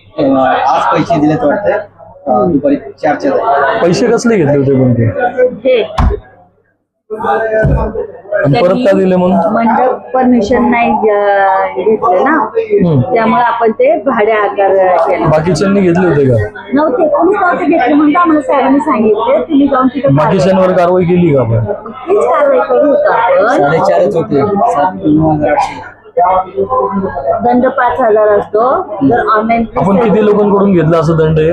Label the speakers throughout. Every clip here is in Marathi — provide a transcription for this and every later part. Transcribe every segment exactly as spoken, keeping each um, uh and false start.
Speaker 1: आज पैसे दिलेत वाटतं दुपारी चारच्या.
Speaker 2: पैसे कसले घेतले होते पण ते आणि परत का दिले मग?
Speaker 3: मंडप परमिशन नाही अं, घेतलं ना, त्यामुळे आपण ते भाडे आकार केलं.
Speaker 2: बाकीच्यांनी घेतले होते का?
Speaker 3: नव्हते कोणीच नव्हते घेतले म्हणून आम्हाला साहेबांनी सांगितले तुम्ही जाऊन तिथे
Speaker 2: बाकीच्यांवर कारवाई केली का आपण?
Speaker 3: तीच कारवाई करू होतो आपण.
Speaker 1: साडेचारच होते. सात नऊ हजार आठशे.
Speaker 3: दंड पाच हजार असतो जर ऑनलाईन.
Speaker 2: आपण किती लोकांकडून घेतला असं दंड आहे?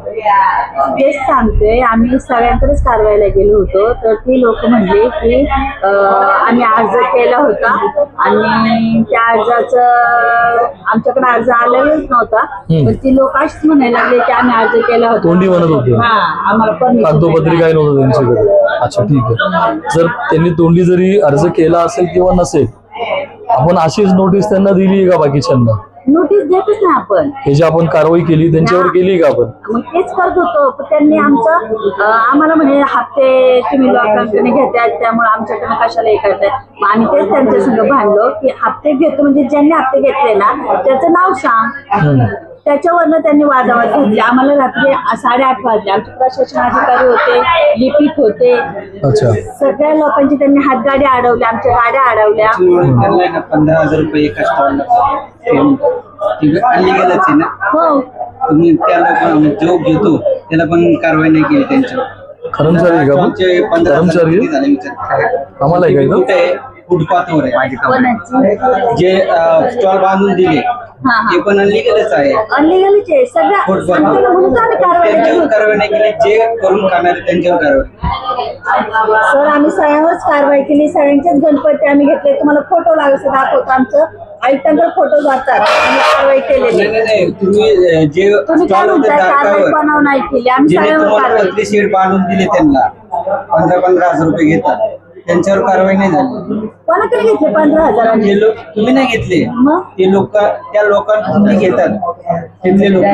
Speaker 3: तेच सांगतोय, आम्ही सगळ्यांकडेच कारवाईला गेलो होतो तर ती लोक म्हणले की अं, आम्ही अर्ज केला होता आणि त्या अर्जाचं आमच्याकडे अर्ज आलेलाच नव्हता, पण ती लोक अशीच म्हणायला लागले की आम्ही अर्ज केला होता.
Speaker 2: तोंडी म्हणत होते
Speaker 3: हा आम्हाला परमिशन
Speaker 2: कागदोपत्री काय नव्हतं त्यांच्याकडे. अच्छा ठीक आहे. जर त्यांनी तोंडी जरी अर्ज केला असेल किंवा नसेल, आपण अशीच नोटीस त्यांना दिली आहे का बाकीच्यांना?
Speaker 3: नोटीस देतच ना आपण.
Speaker 2: हे जे आपण कारवाई केली त्यांच्यावर केली का आपण?
Speaker 3: मग तेच करत होतो, पण त्यांनी आमचं अं, आम्हाला म्हणे हप्ते तुम्ही लोकांकडे घेताय त्यामुळे आमच्याकडे कशाला हे करताय. मग आम्ही तेच त्यांच्या संग भांडलो की हप्ते घेतो म्हणजे ज्यांनी हप्ते घेतले ना त्याचं नाव सांग. त्याच्यावरनं त्यांनी वादावाद घेतले. आम्हाला रात्री साडेआठ वाजले. आमचे प्रशासन अधिकारी होते, लिपिक होते,
Speaker 2: अच्छा
Speaker 3: सगळ्या लोकांची त्यांनी हातगाडी अडवल्या, आमच्या गाड्या अडवल्या.
Speaker 1: त्यांना ना पंधरा हजार रुपये एका स्टॉलला अनलिगलच आहे ना.
Speaker 3: हो
Speaker 1: तुम्ही त्याला पण जो घेतो त्याला पण कारवाई नाही केली त्यांच्यावर.
Speaker 2: कर्मचारी आहे का आपण?
Speaker 1: तुमचे पंधरा हजार
Speaker 2: कर्मचारी
Speaker 1: किती झाले विचार.
Speaker 2: आम्हाला आहे का इथं?
Speaker 1: कुठे आहे? फुटपाथवर आहे.
Speaker 3: कोणाची?
Speaker 1: जे स्टॉल बांधून दिले
Speaker 3: हा हा
Speaker 1: ते पण अनलिगलच आहे.
Speaker 3: अनलिगलच आहे सगळ्या.
Speaker 1: फुटपाथवर
Speaker 3: म्हणून तर आम्ही कारवाई केली
Speaker 1: त्यांच्यावर
Speaker 3: होती.
Speaker 1: कारवाई नाही केली. जे करून खाणारे त्यांच्यावर कारवाई.
Speaker 3: सर आम्ही सगळ्यांवरच कारवाई केली. सगळ्यांचेच गणपती आम्ही घेतले. तुम्हाला फोटो लागत दाखवतो. आमचं आयुक्तांकडे फोटो जातात. आम्ही कारवाई केलेली.
Speaker 1: नाही नाही नाही तुम्ही अं, जे
Speaker 3: तुम्ही काय
Speaker 1: स्टॉल होते
Speaker 3: म्हणताय कारवाई
Speaker 1: दारावर
Speaker 3: बनाव नाही केली. आम्ही
Speaker 1: ज्याने
Speaker 3: सगळ्यांवर
Speaker 1: तुम्हाला
Speaker 3: कारवाई
Speaker 1: पत्रे शेड बांधून दिले त्यांना पंधरा पंधरा हजार रुपये घेतात त्यांच्यावर कारवाई नाही झाली.
Speaker 3: कोणाकडे घेतले पंधरा हजारांनी?
Speaker 1: जे लोक तुम्ही नाही घेतले
Speaker 3: मग
Speaker 1: ते लोक त्या लोकांकडून ते घेतात तिथले लोक.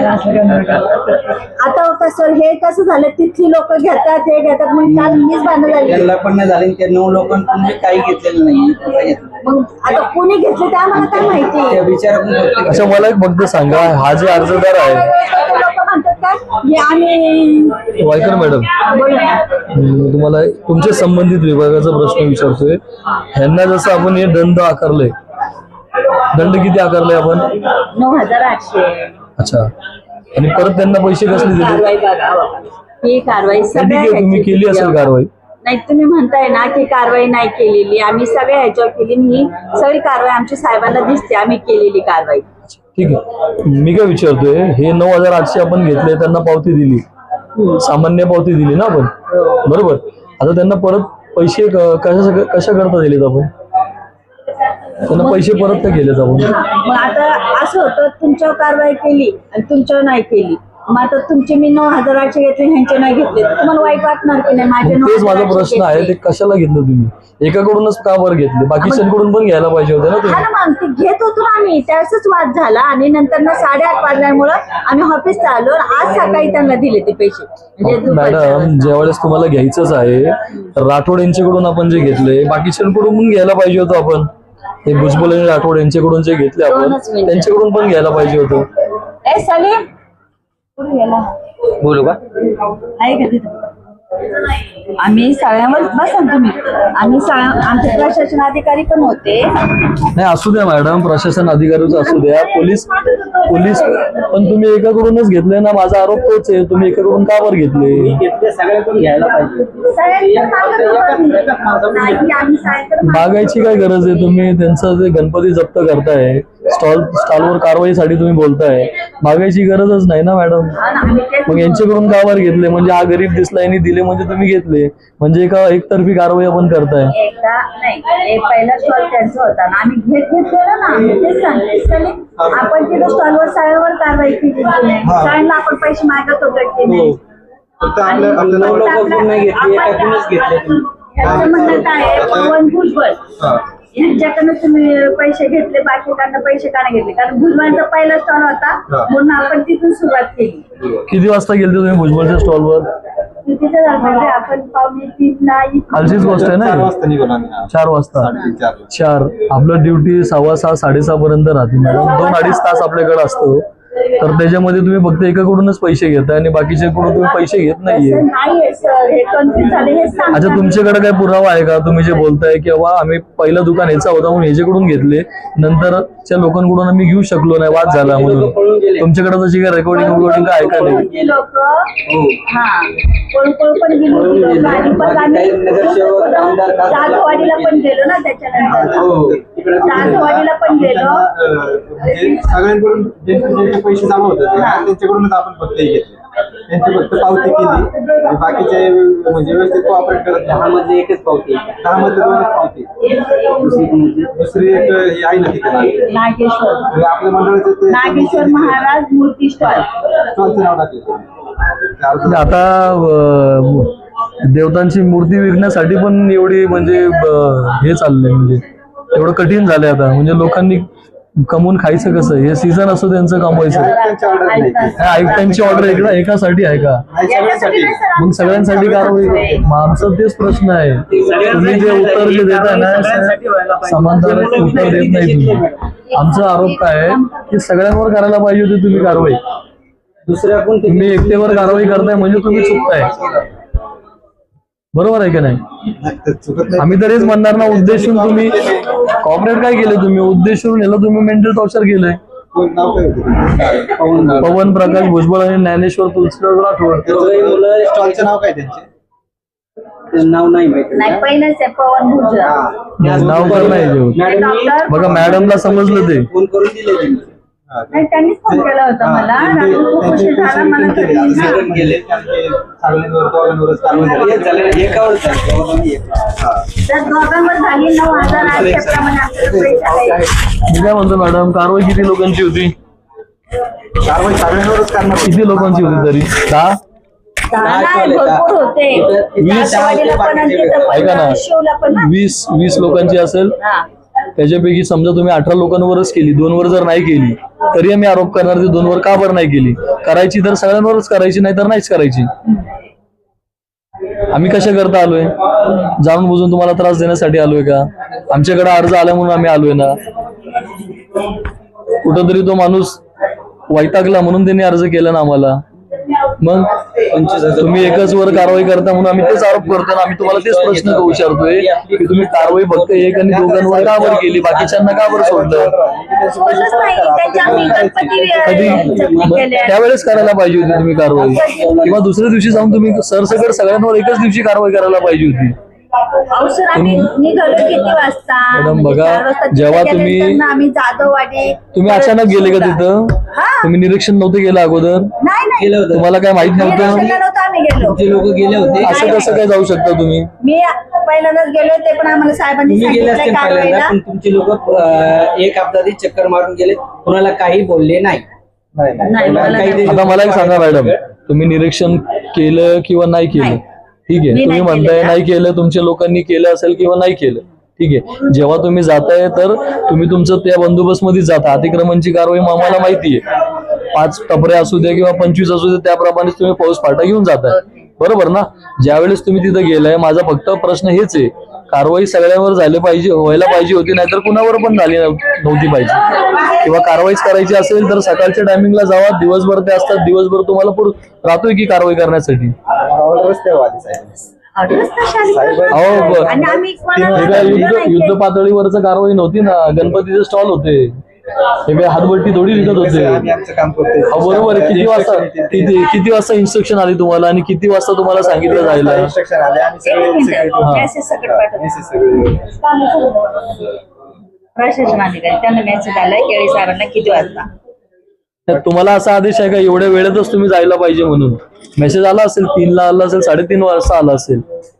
Speaker 3: आता होता सर हे कसं झालं तिथली लोक घेतात हे घेतात मग काल मीच भांडण झाली.
Speaker 1: त्यांना पण नाही झाले. त्या नऊ लोकांकडून मी काही घेतलेलं नाही.
Speaker 3: मग आता कोणी घेतले ते आम्हाला काय माहिती.
Speaker 1: त्या विचारातून
Speaker 2: अच्छा मला एक फक्त सांगा, हा जे अर्जदार आहे
Speaker 3: लोक म्हणतात काय हे आम्ही
Speaker 2: वायकर मॅडम,
Speaker 3: बोला ना.
Speaker 2: हम्म, तुम्हाला तुमच्या संबंधित विभागाचा प्रश्न विचारतोय. ह्यांना जसं आपण हे दंड आकारले, दंड किती आकारले आपण?
Speaker 3: नऊ हजार आठशे.
Speaker 2: अच्छा आणि परत त्यांना पैसे कसले दिले?
Speaker 3: कारवाई बघा ही कारवाई
Speaker 2: कधी
Speaker 3: सगळ्या
Speaker 2: के- तुम्ही
Speaker 3: ह्याची
Speaker 2: केली असेल कारवाई?
Speaker 3: नाही तुम्ही म्हणताय ना की कारवाई नाही केलेली. आम्ही सगळ्या ह्याच्यावर केली. ही सगळी कारवाई आमच्या साहेबांना दिसते आम्ही केलेली कारवाई.
Speaker 2: ठीक आहे. मी काय विचारतोय, हे नऊ हजार आठशे आपण घेतले, त्यांना पावती दिली, सामान्य पावती दिली ना आपण, बरोबर? आता त्यांना परत पैसे क- कशा कशा करता दिलेत आपण? त्यांना पैसे परत का केलेत आपण?
Speaker 3: मग आता असं होतं तुमच्यावर कारवाई केली आणि तुमच्यावर नाही केली. मग आता तुमचे मी नऊ हजार आठशे घेतले ह्यांचे नाही घेतले तर तुम्हाला वाईट वाटणार की नाही? माझे नऊ
Speaker 2: तेच
Speaker 3: हजार
Speaker 2: माझा
Speaker 3: आठशे
Speaker 2: प्रश्न आहे,
Speaker 3: घेतले.
Speaker 2: ते कशाला घेतलं तुम्ही? एकाकडूनच का बरं घेतले? बाकीच्यांकडून पण घ्यायला पाहिजे होते ना
Speaker 3: हा
Speaker 2: तुम्ही.
Speaker 3: ना मग ते घेत होतो ना आम्ही. त्यावेळेसच वाद झाला आणि नंतर ना साडेआठ वाजल्यामुळं आम्ही ऑफिसला आलो आणि आज सकाळी त्यांना दिले ते पैसे. म्हणजे दुपारच्या
Speaker 2: मॅडम
Speaker 3: वाजता.
Speaker 2: ज्यावेळेस तुम्हाला घ्यायचंच आहे, राठोड यांच्याकडून आपण जे घेतले, बाकीच्यांकडून पण घ्यायला पाहिजे होतं आपण. हे भुजबळ आणि राठोड यांच्याकडून जे घेतले आपण
Speaker 3: दोनच मिनिटं.
Speaker 2: त्यांच्याकडून पण घ्यायला पाहिजे होतं.
Speaker 3: ए सलीम कुठे गेला?
Speaker 1: बोलू का?
Speaker 3: आहे का तिथं? आम्ही सगळ्यांवर बसा ना तुम्ही. आम्ही सगळ्या आमचे प्रशासन अधिकारी पण होते.
Speaker 2: नाही असू द्या मॅडम, प्रशासन अधिकारीच असू द्या, पोलीस पोलीस पण तुम्ही एकाकडूनच घेतले ना. माझा आरोप तोच आहे, तुम्ही एकाकडून का बरं घेतले?
Speaker 1: घेतले सगळ्याकडून घ्यायला पाहिजे.
Speaker 3: सगळ्यांचं नाही, आम्ही सगळ्यांकडे
Speaker 2: मागायची काय गरज आहे? तुम्ही त्यांचं ते गणपती जप्त करताय, स्टॉल स्टॉलवर कारवाईसाठी तुम्ही बोलताय, मागायची गरजच नाही ना मॅडम. मग यांच्याकडून का बरं घेतले? म्हणजे हा गरीब दिसला यांनी दिले म्हणजे तुम्ही घेतले, म्हणजे एका एकतर्फी कारवाई आपण करताय.
Speaker 3: एकदा नाही एक पहिला स्टॉल त्यांचा होता ना आम्ही घेत घेत गेलो ना. आम्ही तेच सांगते सलीम आपण तिथं स्टॉलवर सगळ्यावर कारवाई केली सगळ्यांना आपण पैसे मागत होतो की नाही.
Speaker 1: फक्त आपल्या आपल्या नऊ लोकांकडून नाही घेतली, एकाकडूनच घेतले तुम्ही.
Speaker 3: ह्याचं म्हणणं काय आहे पवन भुजबळ यांच्याकडनं तुम्ही पैसे घेतले बाकीकडनं पैसे का नाही घेतले? कारण भुजबळांचा पहिला स्टॉल होता म्हणून आपण तिथून सुरुवात केली.
Speaker 2: किती वाजता गेले तुम्ही भुजबळच्या स्टॉलवर?
Speaker 3: तिथे झालं आपण पावणे तीनला
Speaker 2: कालचीच गोष्ट आहे ना. चार वाजता चार आपलं ड्युटी सव्वा सहा साडेसहा पर्यंत राहते मॅडम. दोन अडीच तास आपल्याकडे असतो. तर त्याच्यामध्ये तुम्ही फक्त एकाकडूनच पैसे घेताय आणि बाकीच्याकडून तुम्ही पैसे घेत नाहीये.
Speaker 3: तसं नाहीये सर, हे कन्फ्युज झाले हे सांगता.
Speaker 2: अच्छा, तुमच्याकडे काय पुरावा आहे का? तुम्ही जे बोलताय की बाबा आम्ही पहिलं दुकान ह्याचा होता म्हणून ह्याच्याकडून घेतले, नंतरच्या लोकांकडून आम्ही घेऊ शकलो नाही, वाद झाला म्हणून. तुमच्याकडे तशी काय रेकॉर्डिंग वगैरे काय ऐका नाही?
Speaker 3: लोक हा पळू पळू पण गेली होती लोकं. आणि पण आम्ही जाधववाडीला पण गेलो ना, त्याच्यानंतर जाधववाडीला पण गेलो.
Speaker 1: म्हणजे सगळ्यांकडून ज्यांचे ज्यांचे पैसे जमा होतात ते, त्यांच्याकडूनच आपण फक्त हे घेतले, त्यांची फक्त पावती केली आणि बाकीचे म्हणजे व्यवस्थित कोऑपरेट करत दहा मध्ये एकच पावती, दहा मध्ये दोनच पावती, दुसरी एक हे आहे ना तिथे
Speaker 3: नागेश्वर
Speaker 1: आपल्या मंडळाचं ते
Speaker 3: नागेश्वर महाराज मूर्ती स्टॉल.
Speaker 1: स्टॉलचं नाव टाकलं.
Speaker 2: आता अं, देवतांची मूर्ती विकण्यासाठी पण एवढी म्हणजे अं, हे चाललंय, म्हणजे एवढं कठीण झालंय आता. म्हणजे लोकांनी कमवून खायचं कसं? हे सीझन असतो त्यांचं कमवायचं.
Speaker 1: त्यांची ऑर्डर नाही ती.
Speaker 2: ह्या आयुक्तांची ऑर्डर एकदा एकासाठी आहे का?
Speaker 1: नाही, सगळ्यांसाठी.
Speaker 2: मग सगळ्यांसाठी कारवाई. मग आमचा तेच प्रश्न आहे, तुम्ही जे उत्तर जे देताय ना समांतर उत्तर देत नाही तुम्ही. आमचा आरोप काय आहे की सगळ्यांवर करायला पाहिजे होती तुम्ही कारवाई.
Speaker 1: दुसऱ्या कोण
Speaker 2: तुम्ही एकटेवर कारवाई करताय म्हणजे तुम्ही चुकताय. बरोबर आहे की नाही?
Speaker 1: चुकत नाही.
Speaker 2: आम्ही तर हेच म्हणणार ना, उद्देशून तुम्ही कॉपरेट काय केलं? तुम्ही उद्देशून याला तुम्ही मेंटल टॉर्चर केलंय.
Speaker 1: कोण नाव काय होतं? पवन नाव.
Speaker 2: पवन प्रकाश भुजबळ आणि ज्ञानेश्वर तुलसीदास राठोड.
Speaker 1: मुलं स्टॉलचं नाव काय त्यांचे? नाव नाही माहिती.
Speaker 3: नाही पहिलंच आहे पवन भुजबळ.
Speaker 2: नाव तर नाही देऊ.
Speaker 3: ते डॉक्टर
Speaker 2: बघा मॅडमला समजलं ते.
Speaker 1: फोन करून दिले त्यांनी.
Speaker 3: नाही त्यांनीच फोन केला होता मला. रात्री खूप उशीर झाला मला कधी नाही. तर दोघांवर झाली नऊ हजार आठशेप्रमाणे आपल्याला पैसे आहे.
Speaker 2: मी काय म्हणतो मॅडम, कारवाई किती लोकांची होती?
Speaker 1: कारवाई सगळ्यांवरच करणार.
Speaker 2: किती लोकांची होती तरी? दहा?
Speaker 3: नाही, भरपूर होते.
Speaker 2: वीस.
Speaker 3: जाधववाडीला पण आणि तिथं पण,
Speaker 2: ऐका ना,
Speaker 3: शिवला पण ना.
Speaker 2: वीस वीस लोकांची असेल.
Speaker 3: हा.
Speaker 2: त्याच्यापैकी समजा तुम्ही अठरा लोकांवरच केली, दोन वर जर नाही केली तरी आम्ही आरोप करणार ते दोन वर का बरं नाही केली? करायची तर सगळ्यांवरच करायची, नाही तर नाहीच करायची. आम्ही कशा करता आलोय? जाणून बुजून तुम्हाला त्रास देण्यासाठी आलोय का? आमच्याकडे अर्ज आला म्हणून आम्ही आलोय ना? कुठंतरी तो माणूस वैतागला म्हणून त्यांनी अर्ज केला ना आम्हाला. मग तुम्ही एकच वर कारवाई करता म्हणून आम्ही तेच आरोप करतो ना. आम्ही तुम्हाला तेच प्रश्न विचारतोय की तुम्ही कारवाई फक्त एक आणि दोघांवर का बरं केली, बाकीच्यांना का बरं सोडलं?
Speaker 3: कोणच नाही. त्याच्या आम्ही गणपती
Speaker 2: कधी
Speaker 3: जप्ती
Speaker 2: मग
Speaker 3: केल्या.
Speaker 2: त्यावेळेस करायला पाहिजे होती तुम्ही कारवाई, किंवा दुसऱ्या दिवशी जाऊन तुम्ही सरसकट सगळ्यांवर एकच दिवशी कारवाई करायला पाहिजे होती.
Speaker 3: अवसर आम्ही निघालो किती वाजता?
Speaker 2: मॅडम,
Speaker 3: म्हणजे
Speaker 2: बघा,
Speaker 3: चार वाजता तिथे
Speaker 2: जेव्हा
Speaker 3: गेल्यानंतर
Speaker 2: तुम्ही-
Speaker 3: ना आम्ही जाधववाडी
Speaker 2: तुम्ही अचानक गेले का तिथं?
Speaker 3: हा.
Speaker 2: तुम्ही निरीक्षण नव्हते केलं अगोदर?
Speaker 3: नाही नाही
Speaker 1: केलं होतं.
Speaker 2: तुम्हाला काय माहित नव्हतं?
Speaker 3: निरीक्षणाला नव्हतं आम्ही गेलो.
Speaker 1: जे लोक गेले होते
Speaker 2: असं कसं काय जाऊ शकता तुम्ही?
Speaker 3: मी पहिल्यांदाच गेलो ते पण आम्हाला साहेबांनी
Speaker 4: तुम्ही गेले
Speaker 3: सांगितलं
Speaker 4: असते पहिल्यांदा,
Speaker 3: कारवाईला.
Speaker 4: पण तुमचे लोक एक अपघाती चक्कर मारून गेले, कुणाला काही बोलले नाही.
Speaker 1: नाही, नाही.
Speaker 3: नाही, मला
Speaker 4: काही
Speaker 3: नाही.
Speaker 2: आता मला एक सांगा मॅडम, तुम्ही निरीक्षण केलं किंवा नाही केलं,
Speaker 3: नाही.
Speaker 2: ठीक आहे,
Speaker 3: मी
Speaker 2: तुम्ही
Speaker 3: नाही
Speaker 2: म्हणताय
Speaker 3: केलेलं.
Speaker 2: नाही केलं, तुमच्या लोकांनी केलं असेल किंवा नाही केलं, ठीक आहे. जेव्हा तुम्ही जाताय तर तुम्ही तुमचं त्या बंदोबस्त मध्ये जाता. अतिक्रमणची कारवाई मग आम्हाला माहिती आहे. पाच टपरे असू द्या किंवा पंचवीस असू द्या, त्याप्रमाणे तुम्ही फौज फाटा घेऊन जाताय, बरोबर ना? ज्यावेळेस तुम्ही तिथं गेलाय, माझा फक्त प्रश्न हेच आहे, कारवाई सगळ्यांवर झाली पाहिजे, व्हायला पाहिजे होती, नाहीतर कुणावर पण झाली नव्हती पाहिजे. किंवा कारवाईच करायची असेल तर सकाळच्या टायमिंगला जावा, दिवसभर ते असतात, दिवसभर तुम्हाला पुर राहतोय की कारवाई करण्यासाठी.
Speaker 1: ऑर्डरच तेव्हा आली साहेब.
Speaker 3: ऑर्डरच तशी आली.
Speaker 2: अहो, ब-
Speaker 3: आणि आम्ही कोणाला
Speaker 2: हे काय युद्ध
Speaker 3: सांगितलं
Speaker 2: युद्ध
Speaker 3: नाही.
Speaker 2: पातळीवरच कारवाई नव्हती ना, गणपतीचे स्टॉल होते, हे काय हातभट्टी थोडी विकत होते.
Speaker 1: आम्ही आमचं काम करतोय.
Speaker 2: अहो, बरोबर आहे. किती वाजता किती किती वाजता इन्स्ट्रक्शन आली तुम्हाला आणि किती वाजता तुम्हाला सांगितलं जायला?
Speaker 1: इन्स्ट्रक्शन आले आम्ही
Speaker 3: एक
Speaker 1: सगळे
Speaker 3: मिनिट.
Speaker 1: security-
Speaker 2: हा.
Speaker 3: मेसेज सकट पाठवतो.
Speaker 1: मेसेज सगळे
Speaker 3: प्रशासन अधिकारी त्यांना मेसेज आलाय केळी साहेबांना किती वाजता.
Speaker 2: त्यात तुम्हाला असा आदेश आहे का एवढ्या वेळेतच तुम्ही जायला पाहिजे म्हणून? मेसेज आला असेल, तीनला आला असेल, साडेतीन वाजता आला असेल.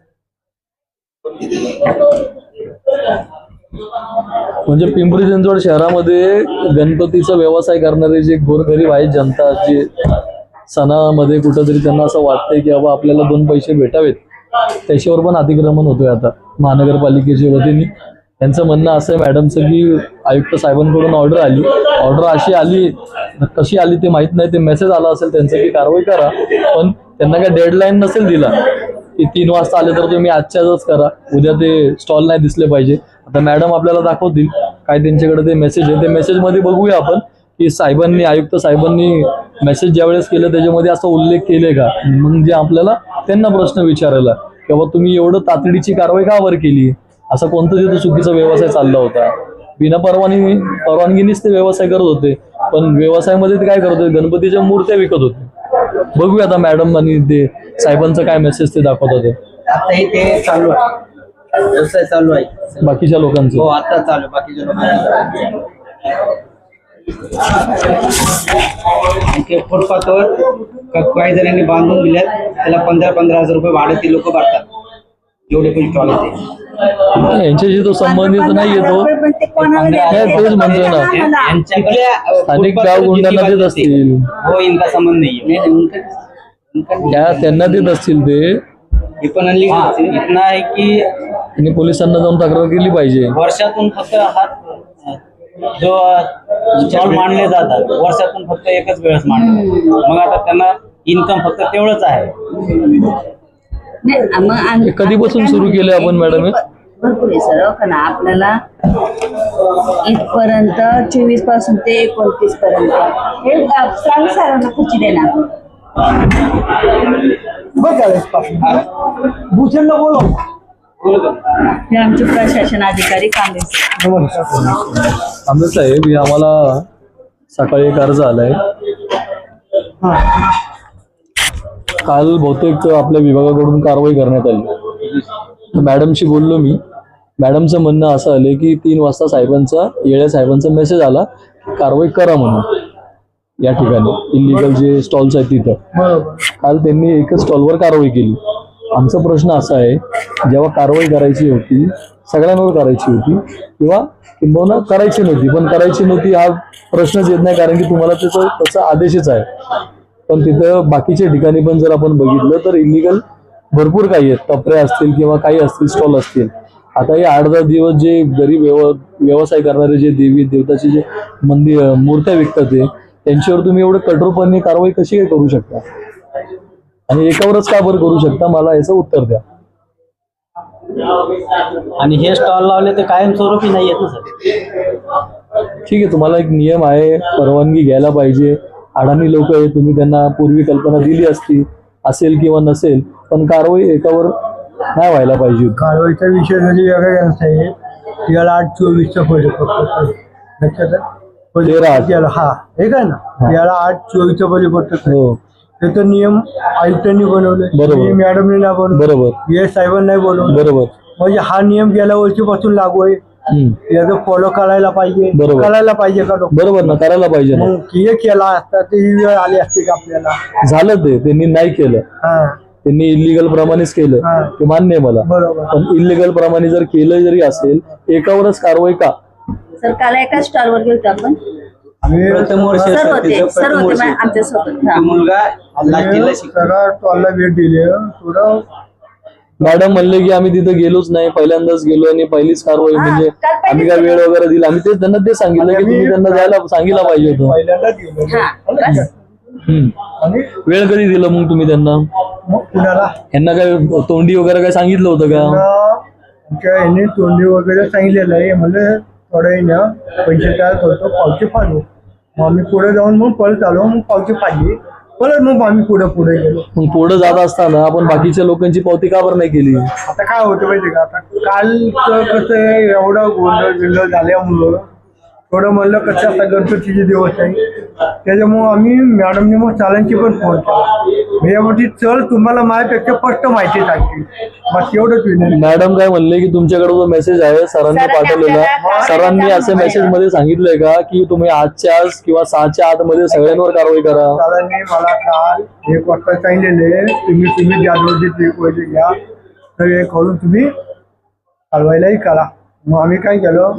Speaker 2: म्हणजे पिंपरी चिंचवड शहरामध्ये गणपतीचा व्यवसाय करणारे जे गोरगरीब आहेत, जनता, जे सणामध्ये कुठंतरी त्यांना असं वाटतंय की बाबा आपल्याला दोन पैसे भेटावेत, त्याच्यावर पण अतिक्रमण होतोय आता महानगरपालिकेच्या वतीने. त्यांचं म्हणणं असं आहे मॅडमचं की आयुक्त साहेबांकडून ऑर्डर आली, ऑर्डर अशी आली, कशी आली ते माहित नाही, ते मेसेज आला असेल त्यांचं की कारवाई करा, पण त्यांना काय डेडलाईन नसेल दिला की तीन वाजता आले तर तुम्ही आजच्याच करा, उद्या ते स्टॉल नाही दिसले पाहिजे. आता मॅडम आपल्याला दाखवतील काय त्यांच्याकडे ते मेसेज आहे, ते मेसेज मध्ये बघूया आपण की साहेबांनी आयुक्त साहेबांनी मेसेज ज्यावेळेस केलं त्याच्यामध्ये असा उल्लेख केले का? म्हणजे आपल्याला त्यांना प्रश्न विचारायला की बाबा तुम्ही एवढं तातडीची कारवाई का वर केली? असा कोणता तिथं चुकीचा व्यवसाय चालला होता? बिना परवानगी परवानगीनेच ते व्यवसाय करत होते, पण व्यवसायामध्ये ते काय करत होते? गणपतीच्या मूर्त्या विकत होते. बघूया आता मॅडम आणि ते साहेबांचं काय मेसेज ते दाखवत होते.
Speaker 4: आताही ते चालू आहे, व्यवसाय चालू आहे
Speaker 2: बाकीच्या लोकांचं
Speaker 4: हो आता चालू आहे बाकीच्या लोकांना. फुटपाथवर काही जणांनी बांधून दिल्यात, त्याला पंधरा पंधरा हजार रुपये भाडे ती लोक भरतात, जेवढे पण स्टॉल येते
Speaker 2: यांच्याशी तो संबंधित नाही येतो.
Speaker 3: पण ते कोणाला द्यायचे?
Speaker 2: तेच म्हणतोय ना.
Speaker 4: यांच्याकडे
Speaker 2: स्थानिक गाव गुंडांना देत असतील,
Speaker 4: हो इनका संबंध नाही है उनका
Speaker 2: त्या त्यांना देत असतील ते.
Speaker 4: हे पण अनलिगल इतना आहे की
Speaker 2: आणि पोलिसांना जाऊन तक्रार केली पाहिजे.
Speaker 4: वर्षातून फक्त हा जो स्टॉल मांडले जातात वर्षातून फक्त एकच वेळेस मांडले, मग आता त्यांना इन्कम फक्त तेवढंच आहे.
Speaker 3: नाही, मग आम्ही-
Speaker 2: हे कधीपासून सुरू केले आपण मॅडम हे?
Speaker 3: भरपूर आहे सर, का ना आपल्याला इथपर्यंत चोवीस पासून ते एकोणतीस पर्यंत हे अ, सांग सरांना खुची देणार.
Speaker 1: भूषणला बोलव.
Speaker 3: हे आमचे प्रशासन अधिकारी कांबळे सर.
Speaker 2: आंबे साहेब, हे आम्हाला सकाळी एक अर्ज आलाय. काल बहुतेक आपल्या विभागाकडून कारवाई करण्यात आली. तर मॅडमशी बोललो मी. मॅडमचं म्हणणं असं आलं की तीन वाजता साहेबांचा येळे साहेबांचा मेसेज आला की कारवाई करा म्हणून या ठिकाणी इलिगल जे स्टॉल्स आहेत तिथं. काल त्यांनी एकच स्टॉलवर कारवाई केली. आमचा प्रश्न असा आहे, जेव्हा कारवाई करायची होती सगळ्यांवर करायची होती किंवा किंबहुना करायची नव्हती, पण करायची नव्हती हा प्रश्नच येत नाही, कारण की तुम्हाला त्याचा त्याचा आदेशच आहे. पण तिथं बाकीच्या ठिकाणी पण जर आपण बघितलं तर इलिगल भरपूर काही आहेत, टपऱ्या असतील किंवा काही असतील, स्टॉल असतील. आता हे आठ दहा दिवस जे गरीब व्यव व्यवसाय करणारे जे देवी देवताचे जे मंदिर मूर्त्या विकतात ते त्यांच्यावर तुम्ही एवढं कठोरपणे कारवाई कशी काय करू शकता आणि एकावरच का बरं करू शकता? मला याचं उत्तर द्या.
Speaker 4: आणि हे स्टॉल लावले ते कायमस्वरूपी नाही येत ना सर.
Speaker 2: ठीक आहे, तुम्हाला एक नियम आहे, परवानगी घ्यायला पाहिजे. अडाणी लोक आहे, तुम्ही त्यांना पूर्वी कल्पना दिली असती, असेल किंवा नसेल, पण कारवाई एकावर नाही व्हायला पाहिजे.
Speaker 1: कारवाईचा विषय म्हणजे वेगळा आहे. त्याला आठ चोवीसचा फरक पडतो लक्षात आहे?
Speaker 2: तेरा आठ.
Speaker 1: त्याला हा हे काय ना याला आठ चोवीसचा फरक पडतो.
Speaker 2: हो
Speaker 1: त्याचा नियम आयुक्तांनी बनवले,
Speaker 2: बरोबर.
Speaker 1: मॅडमने नाही बनवलं,
Speaker 2: बरोबर
Speaker 1: हे साहेबांनी नाही बनवलं.
Speaker 2: बरोबर.
Speaker 1: म्हणजे हा नियम गेल्या वर्षीपासून लागू आहे.
Speaker 2: हम्म.
Speaker 1: याचं फॉलो करायला पाहिजे,
Speaker 2: बरोबर.
Speaker 1: करायला पाहिजे का लोक?
Speaker 2: बरोबर ना, करायला पाहिजे ना.
Speaker 1: मग हे केला असता तर ही वेळ आली असते का आपल्याला?
Speaker 2: झालं ते त्यांनी नाही केलं,
Speaker 1: हा
Speaker 2: त्यांनी इलिगल प्रमाणेच केलं
Speaker 1: हा.
Speaker 2: ते मान्य आहे मला.
Speaker 1: बरोबर.
Speaker 2: पण इलिगल प्रमाणे जर केलं जरी असेल एकावरच कारवाई का?
Speaker 3: सर काल एका स्टॉलवर गेलो आपण,
Speaker 1: आम्ही
Speaker 4: प्रथम वर्ष
Speaker 3: सर होते
Speaker 4: तिचं
Speaker 3: सर
Speaker 4: प्रथम
Speaker 3: होते
Speaker 4: वर्ष.
Speaker 3: मा- आमच्या सोबत.
Speaker 4: तो मुलगा लाचीला शिकतो.
Speaker 1: सगळा टॉलला भेट दिली थोडं.
Speaker 2: मॅडम म्हणले की आम्ही तिथे गेलोच नाही, पहिल्यांदाच गेलो आणि पहिलीच कारवाई.
Speaker 3: हा,
Speaker 2: म्हणजे
Speaker 3: काल पहिलीच
Speaker 2: आम्ही काय वेळ वगैरे दिला? आम्ही तेच त्यांना ते सांगितलं की तुम्ही त्यांना जायला सांगितलं पाहिजे होतं.
Speaker 1: पहिल्यांदा दिलं.
Speaker 3: हा बस.
Speaker 2: हम्म.
Speaker 1: आणि
Speaker 2: वेळ कधी दिलं मग तुम्ही त्यांना?
Speaker 1: मग कुणाला
Speaker 2: यांना काय तोंडी वगैरे काय सांगितलं होतं का?
Speaker 1: आमच्या यांनी तोंडी वगैरे सांगितलेलं आहे. म्हणजे थोडं ना पैसे तयार करतो, पावती फाडू. मग आम्ही पुढे जाऊन मग परत आलो, मग पावती फाडली, परत मग आम्ही पुढे पुढे गेलो.
Speaker 2: मग पुढे जात असताना आपण बाकीच्या लोकांची पावती का बरं नाही केली?
Speaker 1: आता काय होतं माहिती का, आता काल कसं आहे, एवढं गोंधळ बिंधळ झाल्यामुळं थोडं म्हणलं कसं आता गणपतीचे दिवस आहे, त्याच्यामुळं आम्ही मॅडमने मग चालांची पण फोन केला. यामध्ये चल तुम्हाला माझ्यापेक्षा स्पष्ट माहिती सांगतील, बस एवढंच विनंती.
Speaker 2: मॅडम काय म्हणले की तुमच्याकडे जो मेसेज आहे सरांनी
Speaker 3: सरांनी
Speaker 2: पाठवलेला,
Speaker 3: आपल्याला
Speaker 2: सरांनी असे मेसेज मध्ये सांगितलंय का की तुम्ही आजच्या आज किंवा सहाच्या आत मध्ये सगळ्यांवर कारवाई करा?
Speaker 1: चालांनी मला काल एक वाजता सांगितलेले, तुम्ही तुम्ही ज्या रोजी एक पैसे घ्या तर हे करून तुम्ही चालवायलाही करा. मग आम्ही काय केलं,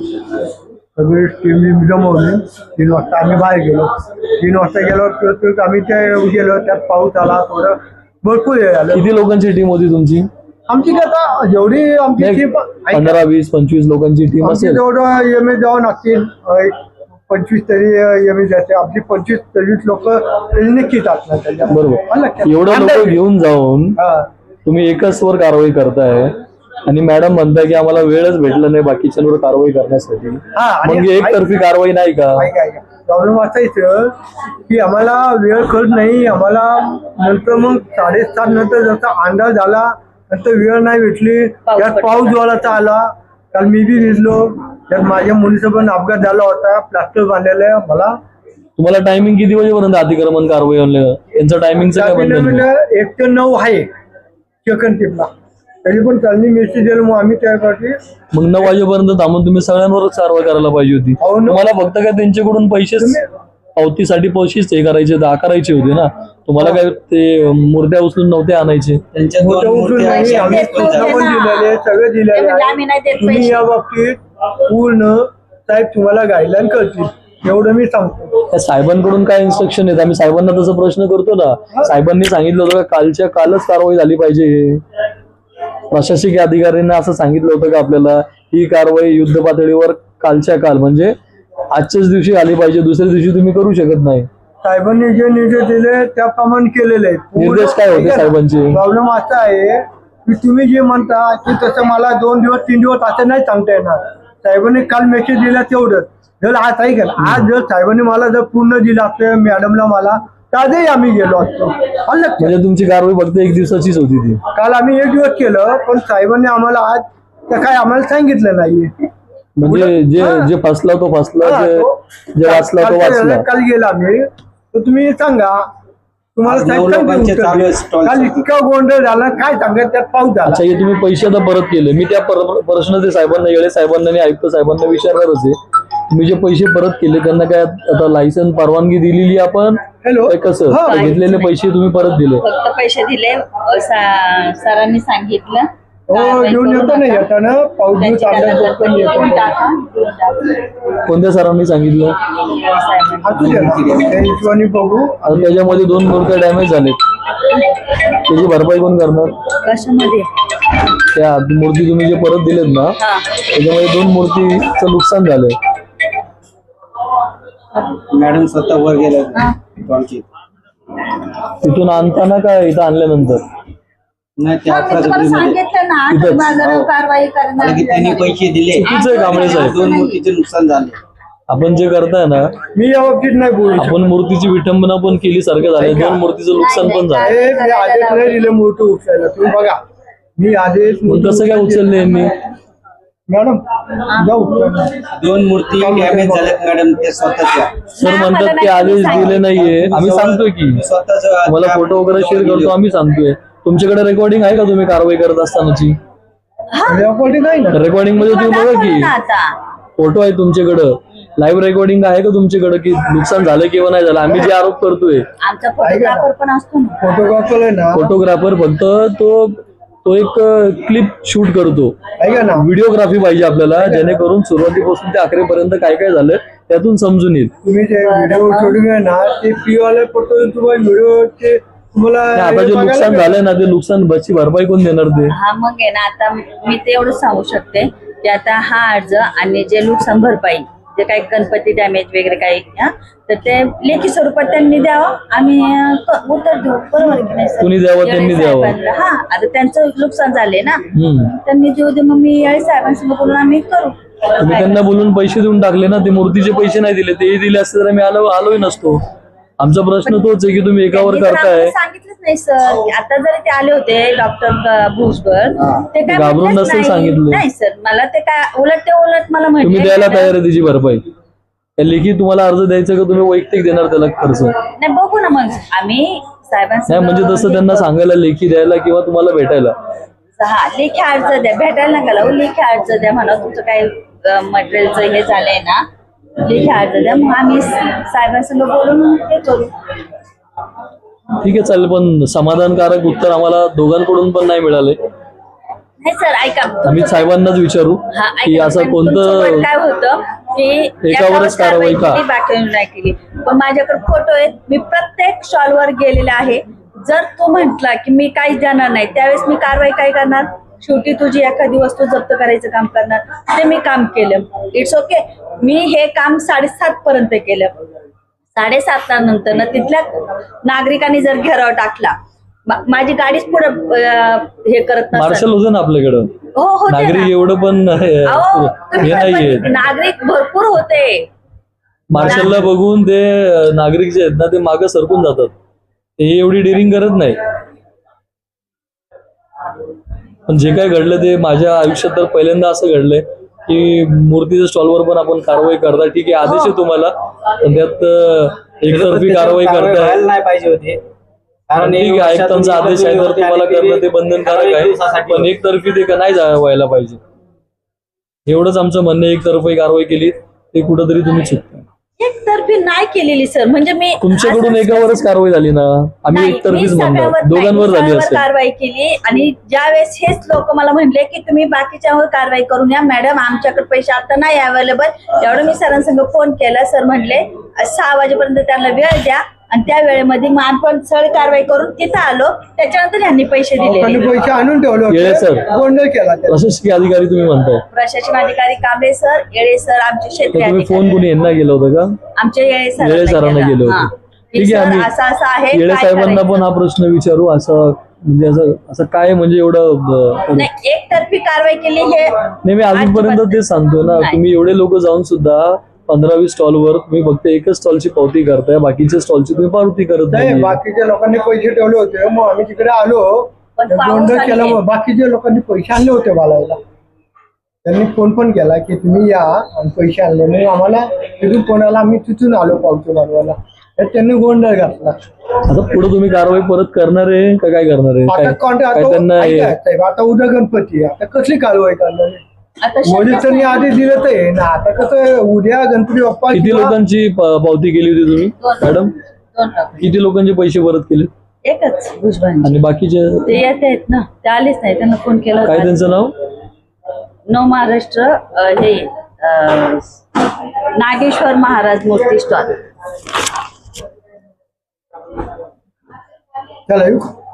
Speaker 1: सगळी टीम जमवली. तीन वाजता आम्ही बाहेर गेलो. तीन वाजता गेलो तर आम्ही ते गेलो, त्यात पाऊस आला, थोडं भरपूर हे झालं.
Speaker 2: किती लोकांची टीम होती तुमची?
Speaker 1: आमची काय आता जेवढी आमची
Speaker 2: नाही,
Speaker 1: टीम
Speaker 2: पंधरा वीस पंचवीस लोकांची टीम
Speaker 1: आमची
Speaker 2: असेल.
Speaker 1: जेवढं एम ए जाऊन असतील एक पंचवीस तरी एम ए जाते. आमची पंचवीस तेवीस लोक नक्कीच असणार त्याच्या.
Speaker 2: बरोबर. एवढं लोक घेऊन जाऊन
Speaker 1: हा
Speaker 2: तुम्ही एकच वर कारवाई करताय, आणि मॅडम म्हणताय की आम्हाला वेळच भेटला नाही बाकीच्यांवर कारवाई करण्यासाठी,
Speaker 5: हा, आणि
Speaker 2: मग एकतर्फी कारवाई नाही का?
Speaker 5: प्रॉब्लेम असा येतो की आम्हाला वेळ कळत नाही. आम्हाला नंतर मग साडेसात नंतर जसा अंदाज आला नंतर वेळ नाही भेटली. त्यात पाऊस जोराचा आला. काल मी बी भिजलो. त्यात माझ्या मुलीचा पण अपघात झाला होता. प्लास्टर बांधलेलं आहे. मला
Speaker 2: तुम्हाला टायमिंग किती वाजेपर्यंत अतिक्रमण कारवाई आणलं? यांचं टायमिंगचं काय बंधन नाही?
Speaker 5: एक ते नऊ आहे सेकंड टिपला. तरी पण त्यांनी मेसेज दिला मग आम्ही त्यासाठी
Speaker 2: मग नऊ वाजेपर्यंत थांबून तुम्ही सगळ्यांवरच कारवाई करायला पाहिजे होती.
Speaker 5: हो ना.
Speaker 2: तुम्हाला फक्त काय त्यांच्याकडून पैसे पावतीसाठी पैसेच हे करायचे आकारायचे होते ना. तुम्हाला काय ते मूर्त्या उचलून नव्हते आणायचे.
Speaker 4: त्यांच्या दोन
Speaker 5: मोठं उचलून
Speaker 4: मूर्ती
Speaker 5: नाही,
Speaker 4: अशा
Speaker 5: आम्ही
Speaker 3: देत
Speaker 5: सूचना पण
Speaker 3: नव्हते ना.
Speaker 5: दिलेले सगळे दिलेले
Speaker 3: म्हणजे
Speaker 5: आहे.
Speaker 3: आम्ही नाही देत
Speaker 5: तुम्ही
Speaker 3: पैसे.
Speaker 5: या बाबतीत पूर्ण साहेब तुम्हाला गाईडलाईन करतील एवढं मी सांगतो.
Speaker 2: त्या साहेबांकडून काय इन्स्ट्रक्शन आहेत? आम्ही साहेबांना तसा प्रश्न करतो ना. साहेबांनी सांगितलं होतं का कालच्या कालच कारवाई झाली पाहिजे? प्रशासकीय अधिकाऱ्यांना असं सांगितलं होतं का आपल्याला ही कारवाई युद्ध पातळीवर कालच्या काल म्हणजे आजच्याच दिवशी आली पाहिजे, दुसऱ्या दिवशी तुम्ही करू शकत नाही?
Speaker 5: साहेबांनी जे निर्देश दिले त्याप्रमाणे केलेले आहेत.
Speaker 2: निर्देश काय होते साहेबांचे?
Speaker 5: प्रॉब्लेम असा आहे की तुम्ही जे म्हणता की तसं मला दोन दिवस तीन दिवस असं नाही सांगता येणार. साहेबांनी काल मेसेज दिला तेवढंच. जर आज ऐका आज जर साहेबांनी मला जर पूर्ण दिलं असतं मॅडमला मला तर आजही आम्ही गेलो असतो. आलं लक्षात?
Speaker 2: म्हणजे तुमची कारवाई फक्त एक दिवसाचीच होती ती?
Speaker 5: काल आम्ही एक दिवस केलं पण साहेबांनी आम्हाला आज तर काय आम्हाला सांगितलं नाहीये.
Speaker 2: म्हणजे जे
Speaker 5: हा.
Speaker 2: जे फसला तो फसला,
Speaker 5: हा,
Speaker 2: जे
Speaker 5: तो-
Speaker 2: जे वाचला तो
Speaker 5: काल-
Speaker 2: वाचला.
Speaker 5: काल गेला आम्ही तर तुम्ही सांगा तुम्हाला
Speaker 1: आज
Speaker 5: साहेब
Speaker 1: नऊ
Speaker 5: सांगतील
Speaker 1: लोकांचे
Speaker 5: उत्तर.
Speaker 1: चालू आहे stall.
Speaker 5: काल इतका गोंधळ झाला काय सांगा त्यात पाऊस झाला.
Speaker 2: अच्छा, हे तुम्ही पैसे आता परत केले. मी त्या पर- प्रश्न ते साहेबांना येळे साहेबांना आणि आयुक्त साहेबांना विचारणारच आहे. तुम्ही जे पैसे परत केले त्यांना काय आता लायसन परवानगी दिलेली आपण
Speaker 5: हॅलो
Speaker 2: काय कसं?
Speaker 5: हा.
Speaker 2: का घेतलेले पैसे तुम्ही परत दिले?
Speaker 3: फक्त पैसे दिले. अ, सा- सरांनी सांगितलं
Speaker 5: हो
Speaker 3: कारवाई
Speaker 5: घेऊन
Speaker 3: करू
Speaker 5: येतो ना
Speaker 3: नका.
Speaker 5: येताना पाऊस दिवस
Speaker 3: त्यांची
Speaker 5: अंदाज
Speaker 3: त्यांना
Speaker 5: बघतो येतो.
Speaker 3: देऊन टाका, देऊन टाका.
Speaker 2: कोणत्या सरांनी सांगितलं?
Speaker 3: साहेबांनी.
Speaker 5: असू द्या ना. त्या हिशोबाने बघू.
Speaker 2: आता त्याच्यामध्ये दोन मूर्त्या डॅमेज झालेत, त्याची भरपाई कोण करणार?
Speaker 3: कशामध्ये?
Speaker 2: त्या मूर्ती तुम्ही जे परत दिलेत ना
Speaker 3: हा.
Speaker 2: त्याच्यामध्ये दोन मूर्तीचं नुकसान झालंय.
Speaker 1: मॅडम स्वतः वर गेल्या
Speaker 3: हा.
Speaker 1: आमची
Speaker 2: तिथून आणताना काय इथं आणल्यानंतर?
Speaker 1: नाही ते
Speaker 3: हा, मी
Speaker 1: अकरा
Speaker 3: तुम्हाला
Speaker 1: एप्रिलमध्ये
Speaker 3: सांगितलं ना
Speaker 2: तिथंच.
Speaker 3: तर बाजारावर कारवाई करणार.
Speaker 4: की त्यांनी पैसे दिले.
Speaker 2: चुकीचं आहे कांबळे साहेब.
Speaker 1: दोन मूर्तीचे नुकसान झाले.
Speaker 2: आपण जे करताय ना
Speaker 5: मी या बाबतीत नाही बोलू शकत.
Speaker 2: आपण मूर्तीची विटंबना पण केली सारखं झालं, दोन मूर्तीचं नुकसान पण झालं.
Speaker 5: हे मी आदेश नाही दिले मूर्ती उचलायला. तुम्ही बघा मी आदेश
Speaker 2: मग कसं काय उचलले यांनी?
Speaker 5: मॅडम जाऊ उचलायला.
Speaker 4: दोन मूर्ती डॅमेज झाल्यात मॅडम ते स्वतःच्या.
Speaker 2: सर म्हणतात की आदेश दिले नाहीये. आम्ही सांगतोय की
Speaker 4: स्वतःच
Speaker 2: तुम्हाला फोटो वगैरे शेअर करतो, आम्ही सांगतोय. तुमच्याकडे रेकॉर्डिंग आहे का तुम्ही कारवाई करत असतानाची?
Speaker 5: रेकॉर्डिंग नाही ना.
Speaker 2: रेकॉर्डिंग मध्ये तुम्ही बघा की
Speaker 3: ना आता
Speaker 2: फोटो आहे तुमच्याकडं, लाईव्ह रेकॉर्डिंग आहे का तुमच्याकडे की नुकसान झालं किंवा नाही झालं? आम्ही जे आरोप करतोय
Speaker 3: आमचा फोटोग्राफर पण असतो ना.
Speaker 5: फोटोग्राफर आहे ना
Speaker 2: फोटोग्राफर फक्त तो तो एक क्लिप शूट करतो.
Speaker 5: ऐका ना
Speaker 2: व्हिडिओग्राफी पाहिजे आपल्याला, जेणेकरून सुरुवातीपासून ते अखेरपर्यंत काय काय झालं त्यातून समजून येईल.
Speaker 5: तुम्ही जे व्हिडिओ शूटिंग आहे ना ते पी वाले फोटो तुम्हाला व्हिडिओचे तुम्हाला
Speaker 2: आणि आता जे
Speaker 5: बघायला
Speaker 2: नुकसान
Speaker 5: भेटेल.
Speaker 2: झालंय ना ते नुकसान बची भरपाई कोण देणार ते?
Speaker 3: हा मग आहे ना आता मी ते एवढं सांगू शकते की आता हा अर्ज आणि जे नुकसान भरपाई जे काही गणपती डॅमेज वगैरे काही हा, तर ते लेखी स्वरूपात त्यांनी द्यावं. आम्ही अं, क- उत्तर देऊ. बरोबर आहे की नाही सर?
Speaker 2: कुणी द्यावं, त्यांनी
Speaker 3: याळे
Speaker 2: द्यावं.
Speaker 3: साहेबांना. हा आता त्यांचं नुकसान झाले ना
Speaker 2: हम्म.
Speaker 3: त्यांनी देऊ दे. मग मी याळे साहेबांसमोर बोलून आम्ही करू.
Speaker 2: तुम्ही त्यांना बोलून पैसे देऊन टाकले ना, ते मूर्तीचे पैसे नाही दिले. ते दिले असते तर आम्ही आलो आलोही नसतो. आमचा प्रश्न तोच आहे की तुम्ही एकावर
Speaker 3: त्यांनी तर
Speaker 2: करताय.
Speaker 3: आम्हाला सांगितलंच नाही सर. आता जरी ते आले होते डॉक्टर भुजबळ ते काय
Speaker 2: घाबरून
Speaker 3: म्हटलेच
Speaker 2: नसेल
Speaker 3: नाही.
Speaker 2: सांगितलं.
Speaker 3: नाही सर मला ते काय उलट ते उलट मला
Speaker 2: तुम्ही
Speaker 3: म्हटले
Speaker 2: द्यायला तयार आहे त्याची भरपाई? त्या लेखी तुम्हाला अर्ज द्यायचा का तुम्ही वैयक्तिक देणार त्याला खर्च?
Speaker 3: नाही बघू ना मग आम्ही साहेबांसमोर
Speaker 2: नाही म्हणजे तसं त्यांना सांगायला, लेखी द्यायला किंवा तुम्हाला भेटायला.
Speaker 3: हा लेखी अर्ज द्या. भेटायला नका लावू. लेखी अर्ज द्या म्हणा. तुमचं काही मटेरियलचं हे झालंय ना लेखी अर्ज द्या. मग आम्ही साहेबांसमोर बोलून हे करू.
Speaker 2: ठीक आहे चालेल, पण समाधानकारक उत्तर आम्हाला दोघांकडून पण नाही मिळाले.
Speaker 3: नाही सर ऐका
Speaker 2: आम्ही साहेबांनाच विचारू
Speaker 3: हा,
Speaker 2: की
Speaker 3: ऐका,
Speaker 2: असं
Speaker 3: पण तुमचं
Speaker 2: कोणतं
Speaker 3: मत काय होतं की
Speaker 2: एकावरच कारवाई का?
Speaker 3: केली, बाकीवर नाही केली. पण माझ्याकडे फोटो आहेत. मी प्रत्येक स्टॉलवर गेलेले आहे. जर तू म्हंटला की मी काहीच जाणार नाही त्यावेळेस मी कारवाई काय करणार? शेवटी तुझी एखादी वस्तू जप्त करायचं काम करणार. ते मी काम केलं. It's okay. मी हे काम साडेसात पर्यंत केलं. साडेसात नंतर ना तिथल्या नागरिकांनी जर घेराव टाकला मा- माझी गाडीच पुढे हे करत नसेल.
Speaker 2: मार्शल होते ना आपल्याकडं,
Speaker 3: हो होते ना.
Speaker 2: नागरिक एवढं पण
Speaker 3: अहो,
Speaker 2: हे
Speaker 3: तुम्ही
Speaker 2: नाहीये.
Speaker 3: पण नागरिक भरपूर होते.
Speaker 2: मार्शलला बघून ते नागरिक जे आहेत ना ते मागे सरकून जातात, ते एवढी डिरिंग करत नाही. पण जे काय घडलं ते माझ्या आयुष्यात तर पहिल्यांदा असं घडलंय की मूर्तीच्या स्टॉलवर पण आपण कारवाई करता, ठीक आहे आदेश आहे तुम्हाला, पण त्यात अं, एकतर्फी कारवाई करताय.
Speaker 4: व्हायला नाही पाहिजे होती. कारण
Speaker 2: ठीक आहे, आयुक्तांचा आदेश आहे तर तुम्हाला करणं ते बंधनकारक आहे, पण एकतर्फी ते का नाही जा- व्हायला पाहिजे. एवढंच आमचं म्हणणं आहे. एकतर्फी कारवाई केली ते कुठंतरी तुम्ही चुकता.
Speaker 3: एकतर्फी नाही केलेली सर, म्हणजे मी
Speaker 2: तुमच्याकडून
Speaker 3: असं-
Speaker 2: एकावरच कारवाई झाली ना, आम्ही
Speaker 3: नाही, मी
Speaker 2: एकतर्फीच म्हणणार,
Speaker 3: सगळ्यावर नाही,
Speaker 2: दोघांवर
Speaker 3: मी
Speaker 2: झाली
Speaker 3: सगळ्यावर
Speaker 2: असेल.
Speaker 3: कारवाई केली. आणि ज्यावेळेस हेच लोक मला म्हणले की तुम्ही बाकीच्यावर कारवाई करून या मॅडम, आमच्याकडे पैसे आता नाही अवेलेबल, एवढं मी सरांसंग फोन केला. सर म्हणले सहा वाजेपर्यंत त्यांना वेळ द्या, आणि त्या वेळेमध्ये मग आपण सगळी कारवाई करून तिथं आलो. त्याच्यानंतर यांनी पैसे
Speaker 5: लोकांनी
Speaker 3: दिले.
Speaker 5: पैसे आणून ठेवले
Speaker 2: येळे
Speaker 5: होते,
Speaker 2: सर.
Speaker 5: गोंधळ केला त्याला.
Speaker 2: प्रशासकीय अधिकारी तुम्ही म्हणताय,
Speaker 3: प्रशासन अधिकारी कांबळे सर, येळे सर, आमचे
Speaker 2: तर
Speaker 3: क्षेत्रीय
Speaker 2: तुम्ही
Speaker 3: अधिकारी,
Speaker 2: फोन कोणी यांना केलं होतं का?
Speaker 3: आमचे येळे
Speaker 2: येळे
Speaker 3: सरांना
Speaker 2: सरांना गेले
Speaker 3: केला. हा.
Speaker 2: होते.
Speaker 3: की
Speaker 2: ठीक आहे,
Speaker 3: सर,
Speaker 2: आम्ही
Speaker 3: असं असं आहे,
Speaker 2: येळे
Speaker 3: काय
Speaker 2: साहेबांना
Speaker 3: करायचं?
Speaker 2: पण हा प्रश्न विचारू. असं म्हणजे असं असं काय म्हणजे एवढं ब-
Speaker 3: नाही, एकतर्फी कारवाई केली हे
Speaker 2: नाही, मी अजूनपर्यंत
Speaker 3: अजिबात
Speaker 2: तेच सांगतो ना,
Speaker 3: नाही.
Speaker 2: तुम्ही एवढे लोक जाऊन सुद्धा पंधरा वीस स्टॉलवर तुम्ही फक्त एकच स्टॉलची पावती करताय, बाकीच्या स्टॉलची तुम्ही पावती करत
Speaker 5: नाही,
Speaker 2: नाही.
Speaker 5: बाकीच्या लोकांनी पैसे ठेवले होते, मग आम्ही तिकडे आलो,
Speaker 3: पण पाऊस
Speaker 5: गोंधळ
Speaker 3: आली
Speaker 5: केला.
Speaker 3: नाही.
Speaker 5: मग बाकीच्या लोकांनी पैसे आणले होते बाळायला, त्यांनी फोन पण केला की तुम्ही या आणि पैसे आणले. मग आम्हाला तिथून कोणाला आम्ही तिथून आलो पावती मागवायला, तर त्यांनी गोंधळ घातला.
Speaker 2: आता पुढे तुम्ही कारवाई परत करणार आहे का काय करणार आहे?
Speaker 5: आता
Speaker 2: काय
Speaker 5: कॉन्ट्रॅक्ट
Speaker 2: काय त्यांना हे-
Speaker 5: आता साहेब, आता उद्या गणपती आहे, आता कसली कारवाई करणार आहे?
Speaker 3: आता
Speaker 5: मोदी
Speaker 3: शक्यच
Speaker 5: त्यांनी
Speaker 3: नाही.
Speaker 5: आधी दिलं तर आहे ना, आता कसं उद्या गणपती बाप्पा
Speaker 2: किती
Speaker 5: किंवा-
Speaker 2: लोकांची प- पावती केली होती तुम्ही
Speaker 3: दोन.
Speaker 2: मॅडम?
Speaker 3: दोन टाकले.
Speaker 2: किती लोकांचे पैसे परत केले
Speaker 3: एकच भुजबळ
Speaker 2: आणि बाकीचे
Speaker 3: ते येत आहेत ना, ते आलेच नाही, त्यांना फोन केला
Speaker 2: काय
Speaker 3: होता.
Speaker 2: त्यांचं नाव?
Speaker 3: नव महाराष्ट्र अ, हे अ, नागेश्वर महाराज मूर्ती स्टॉल.
Speaker 5: चला येऊ.